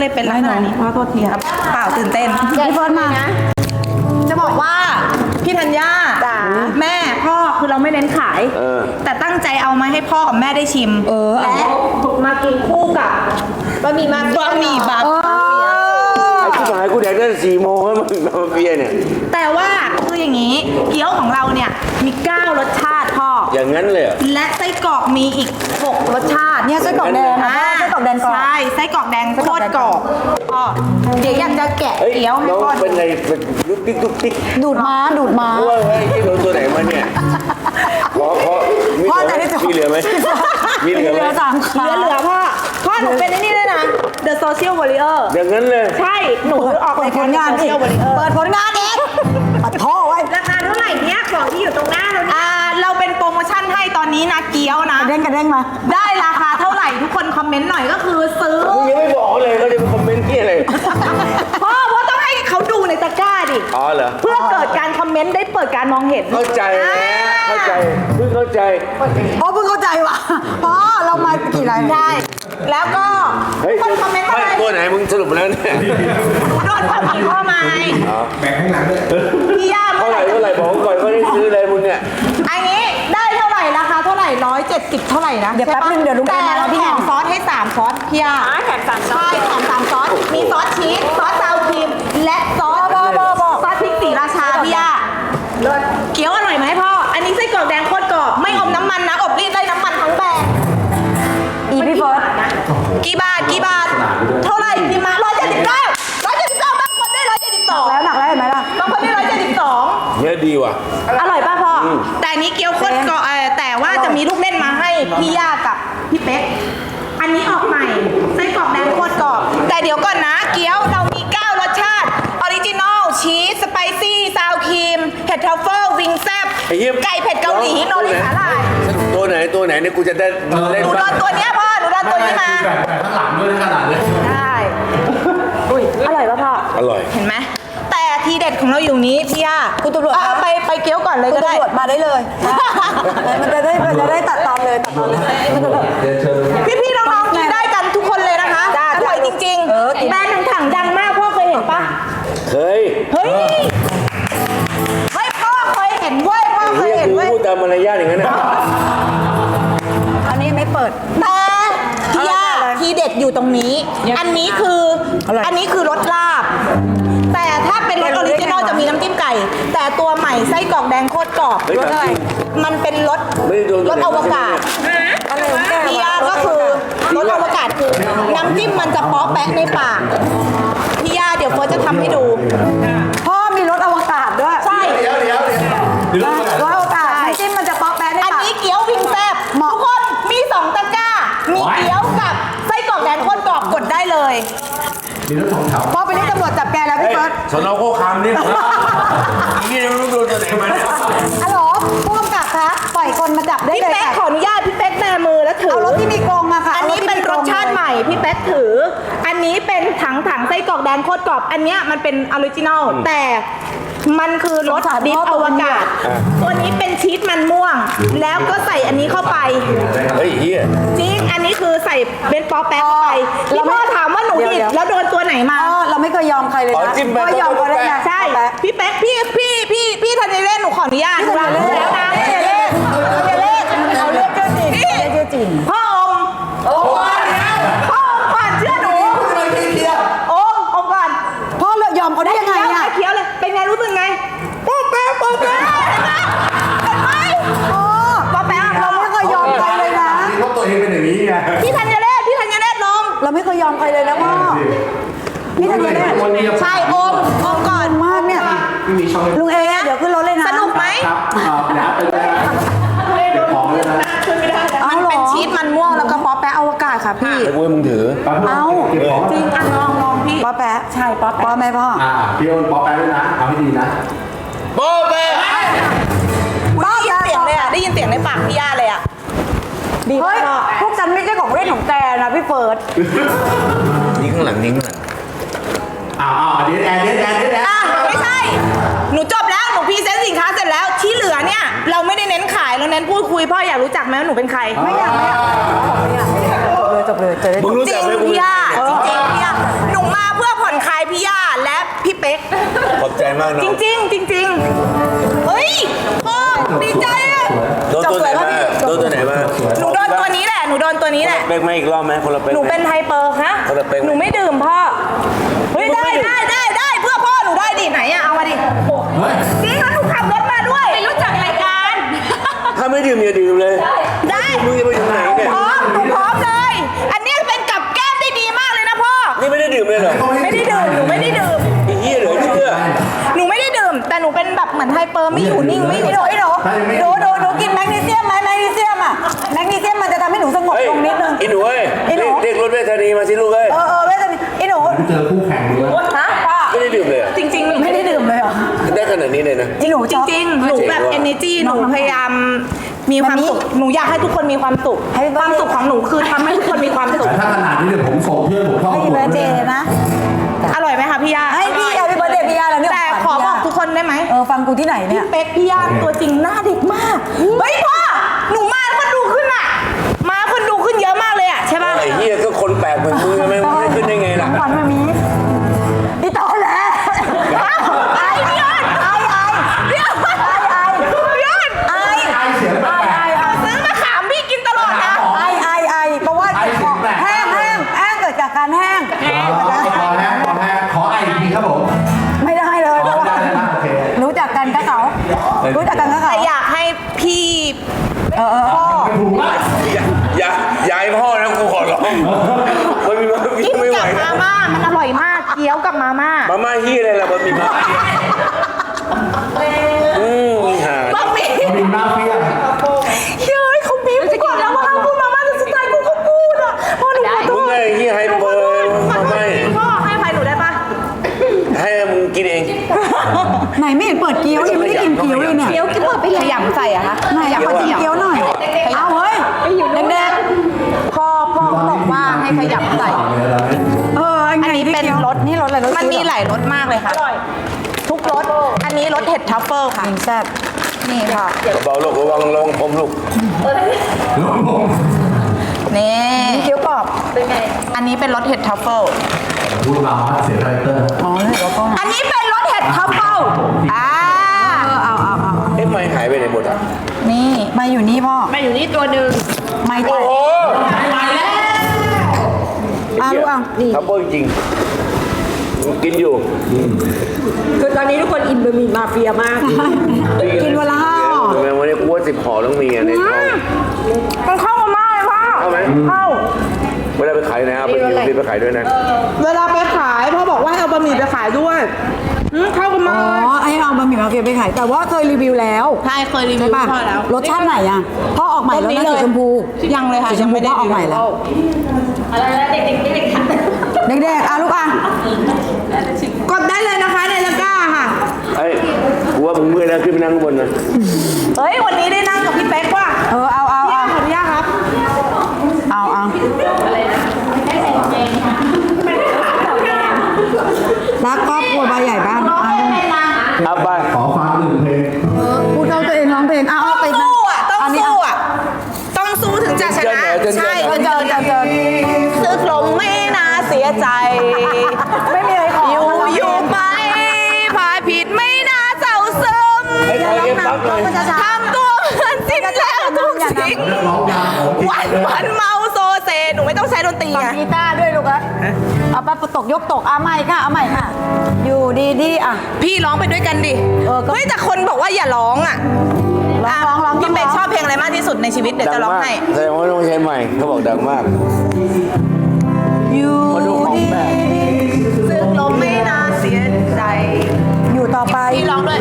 ได้เป็นลักษณะนี้ขอโทษทีครับเปล่าตื่นเต้นพี่เฟิร์นมาจะบอกว่าพี่ธัญญาแม่พ่อคือเราไม่เน้นขายแต่ตั้งใจเอามาให้พ่อกับแม่ได้ชิมและมากินคู่กับบะหมี่บาบะหมี่บาไอ้ที่หายกูแดกได้4 โมงแล้วมันมาเฟียเนี่ยแต่ว่าคืออย่างนี้เกี๊ยวของเราเนี่ยมี9 รสชาติพ่ออย่างนั้นเลยและไส้กรอกมีอีก6 รสชาติเนี่ยไส้กรอกแดงไส้กรอกแดงกรอบใช่ไส้กรอกแดงโคตรกรอบพ่อเดี๋ยวอยากจะแกะเกี๊ยวให้พ่อเป็นไงเป็นลุกติ๊กลุกติ๊กดูดม้าว่าไอ้ที่โดนตัวไหนมาเนี่ยพ่อจะได้มีเหลือไหมมีเหลือไหมเหลือพ่อหนูเป็นไอ้นี่ด้วยนะ The Social Warrior อย่างนั้นเลยใช่หนูออกรายการ The Social Warrior เปิดผลงานเองปัดท่อไว้ราคาเท่าไหร่เนี่ยของที่อยู่ตรงหน้าเราเราเป็นโปรโมชั่นให้ตอนนี้นะเกี๊ยวนะกระเด้งมาได้ราคาเท่าไหร่ทุกคนคอมเมนต์หน่อยก็คือซื้อมึงยังไม่บอกเลยเขาจะมาคอมเมนต์ที่อะไรพ่อต้องให้เขาดูในตะกร้าดิอ๋อเหรอเพื่อเกิดการคอมเมนต์ได้เปิดการมองเห็นเข้าใจเข้าใจเพิ่งเข้าใจเพิ่งเข้าใจว่ะพ่อเรามากี่รายใช่แล้วก็คนคอมเมนต์อะไรตัวไหนมึงสรุปแล้วเนี่ยโดนความผิดพ่อมาแบ่งข้างหลังด้วยพี่ย่าเท่าไหร่บอกก่อนเขาได้ซื้ออะไรมึงเนี่ยอันนี้ได้เท่าไหร่ราคาเท่าไหร่170เท่าไหร่นะเดี๋ยวแป๊บนึงเดี๋ยวลุงแต่เราแถมซอสให้3ซอสพี่ย่าแถม3ซอสใช่แถม3ซอสมีซอสชีสซอสซาวครีมและซอสพริกศรีราชาพี่ย่าเกี๊ยวอร่อยไหมพ่ออันนี้ไส้กรอกแดงโคตรกรอบไม่อมน้ำมันนะอบรีดได้น้ำมันทั้งแบรนด์พี่เฟิร์สกี่บาทเท่าไหร่พี่มา179บางคนได้172 แล้วหนักแล้วเห็นไหมล่ะบางคนได้172 เนี่ยดีว่ะอร่อยป่ะพ่อแต่นี้เกี๊ยวโคตรกรอบแต่ว่าจะมีลูกเล่นมาให้พี่ย่ากับพี่เป๊กอันนี้ออกใหม่ไส้กรอกแดงโคตรกรอบแต่เดี๋ยวก่อนนะเกี๊ยวเรามี9 รสชาติออริจินอลชีสสไปซี่ซาวครีมเห็ดทรัฟเฟิลวิงแซบไก่เผ็ดเกาหลีโนริสาหร่ายตัวไหนเนี่ยกูจะได้เล่นหนูโดนตัวเนี้ยพ่อหนูโดนตัวนี้มาข้างหลังด้วยขนาดเลยได้อร่อยป่ะพ่ออร่อยเห็นไหมแต่ทีเด็ดของเราอยู่นี้พี่ย่าคุณตำรวจไปเกี๊ยวก่อนเลยก็ได้คุณตำรวจมาได้เลยมันจะได้ตัดตอนเลยพี่น้องๆกินได้กันทุกคนเลยนะคะอร่อยจริงๆแบรนด์ถังดังมากพ่อเคยเห็นปะเคยเฮ้ยพ่อเคยเห็นเว้ยพ่อเคยเห็นเว้ยพูดตามมารยาทอย่างนั้นนะอันนี้ไม่เปิดแต่พี่ย่าทีเด็ดอยู่ตรงนี้อันนี้คือรสลาบแต่ถ้าเป็นรสออริจินอลจะมีน้ำจิ้มไก่แต่ตัวใหม่ไส้กรอกแดงโคตรกรอบรสอะไรมันเป็นรสอวกาศพี่ย่าก็คือรสอวกาศคือน้ำจิ้มมันจะป๊อปแปะในปากพี่ย่าเดี๋ยวเฟิร์สจะทำให้ดูพ่อมีรสอวกาศด้วยใช่รสอวกาศน้ำจิ้มมันจะป๊อปแปะในปากอันนี้เกี๊ยววิงแซบทุกคนมี2 ตะกร้ามีเกี๊ยวกับไส้กรอกแดงโคตรกรอบกดได้เลยมีรถ2 แถวพ่อไปเรียกตำรวจจับแกแล้วพี่เฟิร์สสนโคคามนี่นี่ไม่รู้โดนตัวไหนมาเนี่ยฮัลโหลผู้กำกับคะปล่อยคนมาจับได้เลยพี่เป๊กขออนุญาตพี่เป๊กแบมือแล้วถือเอารถที่มีกรงมาค่ะอันนี้เป็นรสชาติใหม่พี่เป๊กถืออันนี้เป็นถังไส้กรอกแดงโคตรกรอบอันนี้มันเป็นออริจินอลแต่มันคือรสดิบอวกาศตัวนี้เป็นชีสมันม่วงแล้วก็ใส่อันนี้เข้าไปเฮ้ยเฮียจริงอันนี้คือใส่เบนป๊อปแป๊กไปพี่พ่อถามว่าหนูผิดแล้วโดนตัวไหนมาเราไม่เคยยอมใครเลยนะไม่ยอมใครเลยนะใช่พี่เป๊กพี่ธัญเรศหนูขออนุญาตแล้วนะธัญเรศเอาเรียกชื่อจริงพ่อก่อนเชื่อหนูอมก่อนพ่อยอมเขาได้ยังไงเนี่ยเคี้ยวเลยเป็นไงรู้สึกไงป๊อปแป๊ะเห็นไหมป๊อปแป๊ะเราไม่เคยยอมใครเลยนะเพราะตัวเองเป็นอย่างนี้ไงพี่ธัญเรศลงเราไม่เคยยอมใครเลยนะพ่อพี่ธัญเรศใช่อมก่อนมากเนี่ยลุงเอเดี๋ยวขึ้นรถเลยนะสนุกไหมครับน้ำไปเลยนะเก็บของเลยนะมันเป็นชีสมันม่วงแล้วก็ป๊อปแปะอวกาศค่ะพี่แต่กูให้มึงถือเอาจริงลองพี่ป๊อปแปะใช่ป๊อปแปะไหมพ่อพี่โอนป๊อปแปะด้วยนะเอาให้ดีนะป๊อปแปะได้ยินเสียงในปากพี่ย่าเลยอ่ะเฮ้ยพวกฉันไม่ใช่ของเล่นของแกนะพี่เฟิร์สนิ้งข้างหลังเดี๋ยวไม่ใช่หนูจบแล้วหนูพรีเซนต์สินค้าเสร็จแล้วที่เหลือเนี่ยเราไม่ได้เน้นขายเราเน้นพูดคุยพ่ออยากรู้จักไหมว่าหนูเป็นใครไม่อยากจบเลยมึงรู้จักไหมพี่ย่าจริงพี่ย่าหนูมากเนาะจริงๆจริงๆเฮ้ยพ่อดีใจอะโดนตัวไหนมาโดนตัวไหนมาหนูโดนตัวนี้แหละหนูโดนตัวนี้แหละเป๊กไหมอีกรอบไหมคนละเป๊กหนูเป็นไฮเปอร์ฮะคนละเป๊กไหมหนูไม่ดื่มพ่อเฮ้ยได้เพื่อพ่อหนูได้ดิไหนอะเอามาดิเฮ้ยจริงแล้วหนูขับรถมาด้วยไม่รู้จักรายการถ้าไม่ดื่มอย่าดื่มเลยได้มึงจะไปอยู่ไหนเนี่ยพร้อมหนูพร้อมเลย อันนี้เป็นกับแก้มได้ดีมากเลยนะพ่อนี่ไม่ได้ดื่มเลยเหรอไม่ได้ดื่มหนูไม่ได้ดื่มไอ้เหี้ยเหลือเชื่อหนูไม่ได้ดื่มแต่หนูเป็นแบบเหมือนไฮเปอร์ไม่อยู่นิ่งไม่ได้หนูกินแมกนีเซียมไหมแมกนีเซียมอ่ะแมกนีเซียมมันจะทำให้หนูสงบเฮ้ยลงนิดนึงไอ้หนูเอ้ยไอ้หนูเรียกรถเวทนีมาสิลูกเอ้ยเวทนาไอ้หนูเจอคู่แข่งด้วยฮะพ่อไม่ได้ดื่มเลยเหรอจริงๆไม่ได้ดื่มเลยเหรอได้ขนาดนี้เลยนะจริงหนูจริงๆหนูแบบ energy หนูพยายามมีความสุขหนูอยากให้ทุกคนมีความสุขความสุขของหนูคือทำให้ทุกคนมีความสุขแต่ถ้าขนาดนี้เดี๋ยวผมส่งเพื่อนผมเข้าให้กลุ่มเบอร์เดเลยย์นะอร่อยไหมคะพี่ยาให้พี่แฮปปี้เบอร์เดย์พี่ยาแล้วเนี่ยแต่ขอบอกทุกคนได้ไหมฟังกูที่ไหนเนี่ยเป๊กพี่ยาตัวจริงหน้าเด็กมากเฮ้ยพ่อหนูมาคนดูขึ้นอ่ะมาคนดูขึ้นเยอะมากเลยอ่ะใช่ป่ะไอ้เหี้ยก็คนแปลกเหมือนมึงไม่ขึ้นได้ไงล่ะขวัญมามีพี่ต่อแหละไอ้พี่ยอนพี่ยอนพี่ยอนไอไอเสียงแปลกซื้อมาขามพี่กินตลอดนะเพราะว่าแห้งเกิดจากการแห้งขอแห้งขอไออีกทีครับผมไม่ได้เลยเพราะว่าได้โอเครู้จักกันกับเขารู้จักกันกับเขาแต่อยากให้พี่พ่อถูกไหมอย่าให้พ่อนะกูขอร้องมันมีมากินไม่ไหวกับมาม่ามันอร่อยมากเกี๊ยวกับมาม่ามาม่าเหี้ยอะไรล่ะมันมีมาหาบะหมี่มีมาเฟียเฮ้ยเขาบีบก่อนแล้วว่าห้ามพูดมาม่าแต่สุดท้ายกูก็พูดอ่ะพ่อหนูขอโทมึงษไงเหี้ยให้เปิดมาไม่พ่อให้อภัยหนูได้ปะให้มึงกินเองไหนไม่เห็นเปิดเกี๊ยวยังไม่ได้กินเกี๊ยวเลยเนี่ยเกี๊ยวกินเปิดไปขยำใส่อะคะไหนอยากขอกินเกี๊ยวหน่อยเอาเฮ้ยแดงพ่อบอกว่าให้ขยำใส่ อันนี้เป็นรสนี่รสอะไรรสมันมีหลายรสมากเลยค่ะทุกรสอันนี้รสเห็ดทัฟเฟิลค่ะแซ่บนี่ค่ะเบาลูกระวังผมลูกนี่เกี๊ยวกรอบอันนี้เป็นรสเห็ดทัฟเฟิลพูดมาว่าเสียงคาแรคเตอร์อ๋อเลยแล้วก็อันนี้เป็นรสเห็ดทัฟเฟิลอ่าเอาเอ๊ะไม่หายไปไหนหมดอ่ะนี่มาอยู่นี่พ่อมาอยู่นี่ตัวหนึ่งไม่แตโอ้กโหลูกอ่ะทับเบิ้ลจริงกินอยู่คือตอนนี้ทุกคนอินบะหมี่มาเฟียมากกินวันละ5 ห่อทำไมวันนี้กูว่า10 ห่อต้องมีอ่ะในท้องมันเข้ามาเลยพ่อเข้าไหมเข้าเวลาไปขายนะครับไปกินไปขายด้วยนะเวลาไปขายพ่อบอกว่าให้เอาบะหมี่ไปขายด้วยเข้ากันมาอ๋อไอ้เอาบะหมี่มาเฟียไปขายแต่ว่าเคยรีวิวแล้วใช่เคยรีวิใช่วป่ะพ่อแล้วรสชาติไหนอ่ะพ่อออกใหม่แล้วนะสีชมพูยังเลยค่ะสีชมพูพ่อออกใหม่แล้วเด็กๆลูกอ่ะกดได้เลยนะคะในตะกร้าค่ะไอ้กูว่ามึงเมื่อยแล้วขึ้นไปนั่งข้างบนนะเฮ้ยวันนี้ได้นั่งกับพี่เป๊กว่ะเอาขออนุญาตครับรักครอบครัวใบใหญ่บ้านเอาไปขอฟัง1 เพลงพูดเอาตัวเองร้องเพลงเอาต้องไปนะสู้อ่ะต้องสู้อ่ะต้องสู้ถึงจะชนะใช่เจอซึกลงไม่น่าเสียใจไม่มีอะไรขออยู่ไปพายผิดไม่น่าเศร้าซึมไอ้ใครเก็บปั๊บเลยทำตัวเหมือนสิ้นแล้วทุกสิ่งร้องยาวของจริงวันเมาโซเซหนูไม่ต้องใช้ดนตรีฟังไงกีตาร์ด้วยลูกอะเอาไปตกยกตกเอาใหม่ค่ะเอาใหม่ค่ะ อยู่ดีๆอ่ะพี่ร้องไปด้วยกันดิ เฮ้ยแต่คนบอกว่าอย่าร้องอ่ะร้องพี่เป็กชอบเพลงอะไรมากที่สุดในชีวิตเดี๋ยวจะร้องให้แสดงว่าต้องใช้ใหม่เขาบอกดังมากอยู่มาดูของแปลกซึ่งลมไม่น่าเสียใจอยู่ต่อไปพี่ร้องด้วย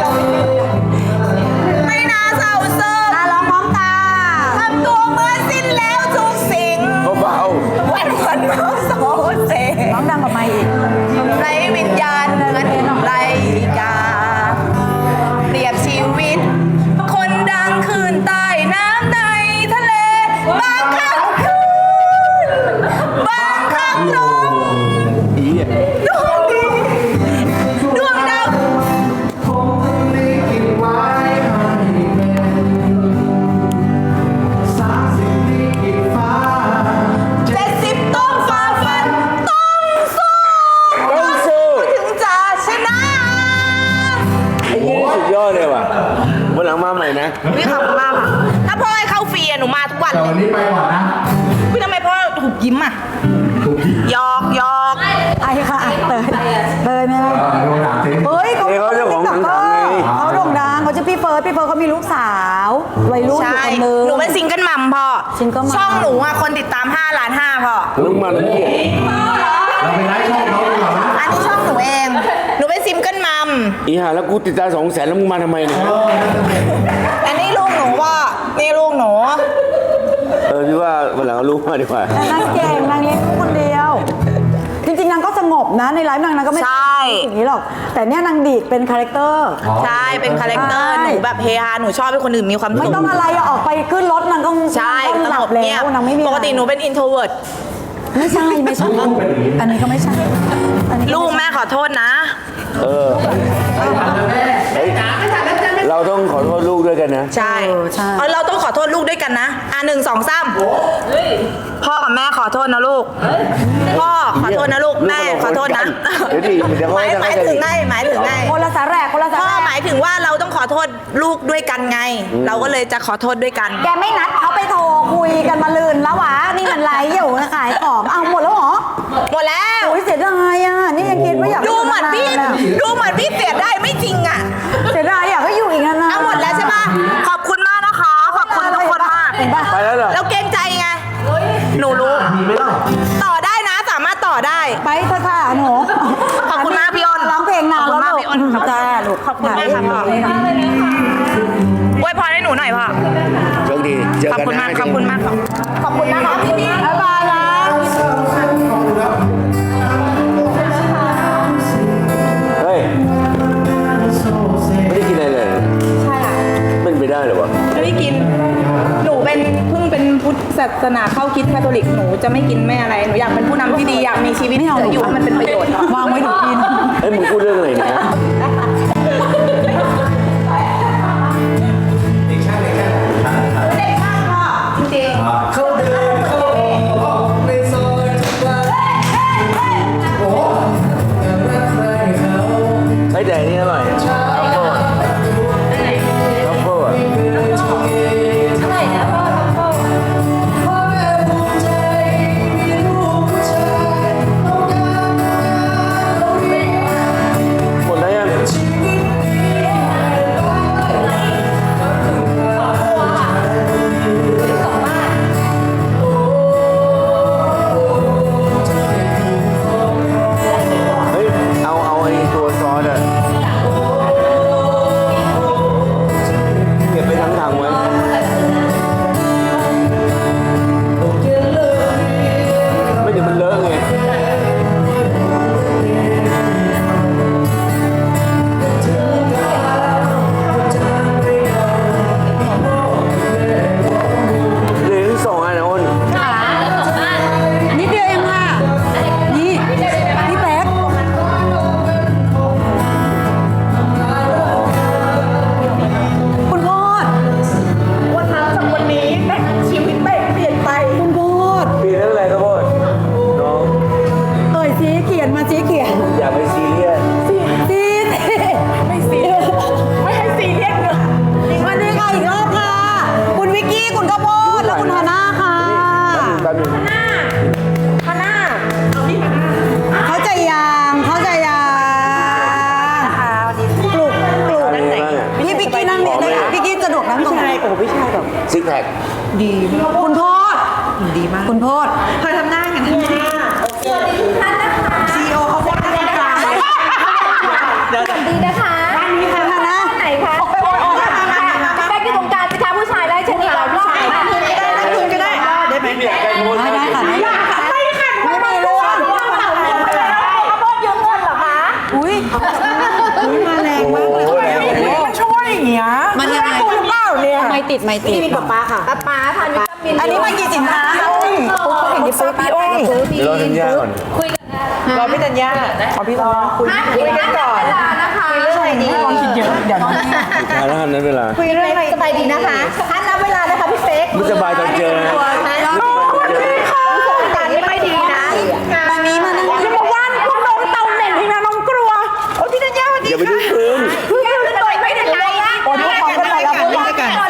ไม่น่าเศร้าซึมร้องพร้อมตาทำตัวเหมือนสิ้นแล้วทุกสิ่งเบาวันเมาโซเซร้องดังกว่าไม่อีกไรวิญญาณเหมือนไรกา เปรียบชีวิต คนดังคืนใต้น้ำในทะเล บางครั้งคืนบางครั้งลมๆอีอ่ะดวงดีดวงดาว70ต้องฝ่าฟันต้องสู้พี่ขอบคุณมากค่ะถ้าพ่อให้เข้าฟรีอะหนูมาทุกวันแต่เลวันยนี้ไปก่อนนะพี่ทำไมพ่อถูกยิ้มอ่ะถูกที่หยอกหยอกไอ้ค่ะเตยไหมล่ะโดนถามสิเฮ้ยเขาเจ้าของหนังไงเขาโด่งดังเขาชื่อพี่เฟิร์สเขามีลูกสาววัยรุ่นอยู่ใช่คนนึงหนูเป็นซิงเกิลมัมพ่อซิงเกิลมัมช่องหนูอ่ะคนติดตาม5 ล้าน 5พ่อมึงมาแล้วเนี่ยเราไปไลฟ์ช่องเขาดีกว่าไหมอันนี้ช่องหนูเอง หนูเป็นซิงเกิลมัมอีห่าแล้วกูติดตาม200,000แล้วมึงมาทำไมเนี่ยอันนี้ลูกหนูว่านี่ลูกหนูพี่ว่าวันหลังเอาลูกมาดีกว่าแต่นางเก่งนางเลี้ยงลูกคนเดียว จริงๆนางก็สงบนะในไลฟ์นางก็ไม่ใช่อย่างนี้หรอก แต่เนี่ยนางดีดเป็นคาแรคเตอร์ใช่เป็นคาแรคเตอร์ใช่หนูแบบเฮฮาหนูชอบให้คนอื่นมีความไม่สุขต้องอะไรอะออกไปขึ้นรถนางก็ใช่นางสหลังบบ แล้เงียว บนางไม่มีปกติหนูเป็นอินโทรเวิร์ดไม่ใช่อันนี้ก็ไม่ใช่อันนี้ลูกแม่ขอโทษนะเฮ้ยเราต้องขอโทษลูกด้วยกันนะใช่ใช่เราต้องขอโทษลูกด้วยกันนะ1 2 3พ่อกับแม่ขอโทษนะลูกพ่อขอโทษนะลูกแม่ขอโทษนะเดี๋ยวดิเดี๋ยวหเขามายจะหมายถึงไงหมายถึงไงคนละสาแหรกคนละสาพ่อแหรกหมายถึงว่าเราต้องขอโทษลูกด้วยกันไง เราก็เลยจะขอโทษด้วยกันแกไม่นัดเขาไปโทรคุยกันมาลืนแล้ววะนี่มันไลฟ์อยู่นะขายของเอาหมดแล้วเหรอหมดแล้วโอ้ยเสียดายอ่ะนี่ยังคิดว่าอยากดูเหมือนพี่เสียได้ไม่จริงอ่ะเสียดายอยากให้อยู่อีกนานๆเอาหมดแล้วใช่ปะขอบคุณมากนะคะ ขอบคุณทุกคนมากเห็นปะไปแล้วเหรอแล้วเกรงใจไงหนูรู้ ต่อได้นะสามารถต่อได้ไปเถอะค่ะหนูขอบคุณมากพี่อ้นร้องเพลงนานขอบคุณมากแล้วพี่อ้นจ้าลูกขอบคุณมากครับพ่ออวยพรให้หนูหน่อยพ่อโชคดีเจอขอบกันคุณนะมากขอบคุณมากครับขอบคุณนะคะพี่พี่บ๊ายบายนะเฮ้ยไม่ได้กินอะไรเลยใช่ค่ะมันไปได้เหรอวะจะไม่กิน หนูเป็นเพิ่งเป็นพุทธศาสนาเข้าคริดคาทอลิกหนูจะไม่กินไม่อะไรหนูอยากเป็นผู้นำที่ดีอยากมีชีวิตเหลืออยู่ให้มันเป็นประโยชน์วางไว้หนูกินเฮ้ยมึงพูดเรื่องอะไรเนี่ยเขาเดินเข้าออกในซอยทุกวันโอ้อยากรักใครเขาเฮ้ยแต่อันนี่อร่อยทัฟเฟิลทัฟเฟิลอ่ะพ่อแม่ภูมิใจมีลูกผู้ชายต้องการเราเรียกหมดแล้วยังชีวิตนี้เฮ้ยเอาไอ้ตัวซอสอ่ะเก็บไปทั้งถังไว้ไม่เดี๋ยวมันเลอะไง เหลือสองอันนะอ้นนิดเดียวเองค่ะนี่พี่แป๊กคุณพ่อวันนั้นจากวันนี้ชีวิตเป๊กเปลี่ยนไปคุณพ่อเปลี่ยนเรื่องอะไรครับพ่อน้องเอ่ยสีเขียนมาสีเขียนอย่าไปซีเรียสสีไม่ซีไม่ให้ซีเรียสเลยวันนี้ค่ะอีกรอบค่ะ คุณวิกกี้คุณข้าวโพดและคุณฮาน่าค่ะแป๊บนึงฮาน่าเอาพี่ฮาน่าเขาใจยางปลุกนั่งไหนพี่พิกกี้นั่งเนี่ยได้พี่กี้สะดวกนั่งตรงไหนโอ้พี่ชายแบบซิกแพคคุณโพดดีมากคุณโพดเธอทำหน้ากันทำหน้าซีโอเขาพูดกันกลางดีนะคะฮาน่าไหนคะแบกอยู่ตรงกลางสิคะผู้ชายได้ชนิดเรารอบไหนก็ได้ได้ไหมไม่อยากได้โพสได้ค่ะไม่มีเรื่องข้าวโพดยืมเงินเหรอคะอุ้ยมาแรงมากเลยมันช่วยอย่างเงี้ยมันยังไงตัวเปล่าเนี่ยไม่ติดพี่ป๊าค่ะป๊าทานวิตามินอันนี้มันกี่สินค้าเห็นดิปุ๊บพี่อ้นเดี๋ยวรอทัญญาก่อนคุยกันรอพี่ธัญญาขอพี่รอคุยกันก่อนเวลานะคะเรื่องอะไรดีลองคิดเยอะเดี๋ยวทานแล้วนั้นเวลาคุยเรื่องอะไรสบายดีนะคะอันนับเวลานะคะพี่เป๊กไม่สบายตอนเจอนะการนี้ไม่ดีนะมามีมานั่งอย่ามาว่านพวกน้องเตาเหม็นที่นะน้องกลัวโอ้พี่ธัญญาสวัสดีอย่าไปค่ะดูพื้นแก้วเลยไม่ได้ไรอะโอ้ยพวกเขาเป็นอะไรกันก่อน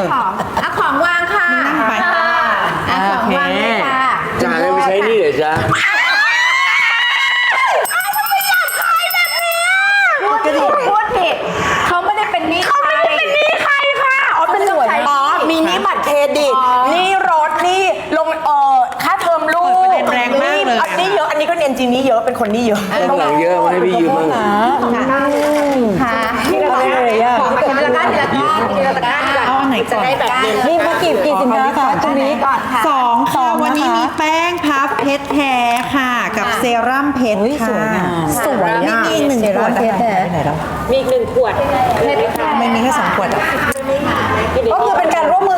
เอาของวางค่ะนั่งไปเอาของวางเลยค่ะจานไม่ใช้นี่เหรอจ๊ะพูดผิดเขาไม่ได้เป็นหนี้ใครอ๋อเป็นหน่วยอ๋อมีหนี้บัตรเครดิตหนี้รถหนี้ลงค่าเทอมลูกแรงมากเลยอันนี้เยอะอันนี้ก็เรียนจริงนี้เยอะเป็นคนหนี้เยอะข้างหลังเยอะมาให้พี่ยืมบ้างค่ะทีละก้อนทีละก้อนทีละก้อนเอาอันไหนก่อนจะได้แบบเย็นนี่มากี่สินค้าคะตรงนี้ก่อนค่ะสองค่ะวันนี้มีแป้งพับเพชรแท้ค่ะ กับเซรั่มเพชรค่ะสวยนี่มีอีกหนึ่งขวดเพชรแท้มีอีก1 ขวดไม่มีแค่2 ขวดอ่ะก็คือเป็นการร่วมมือ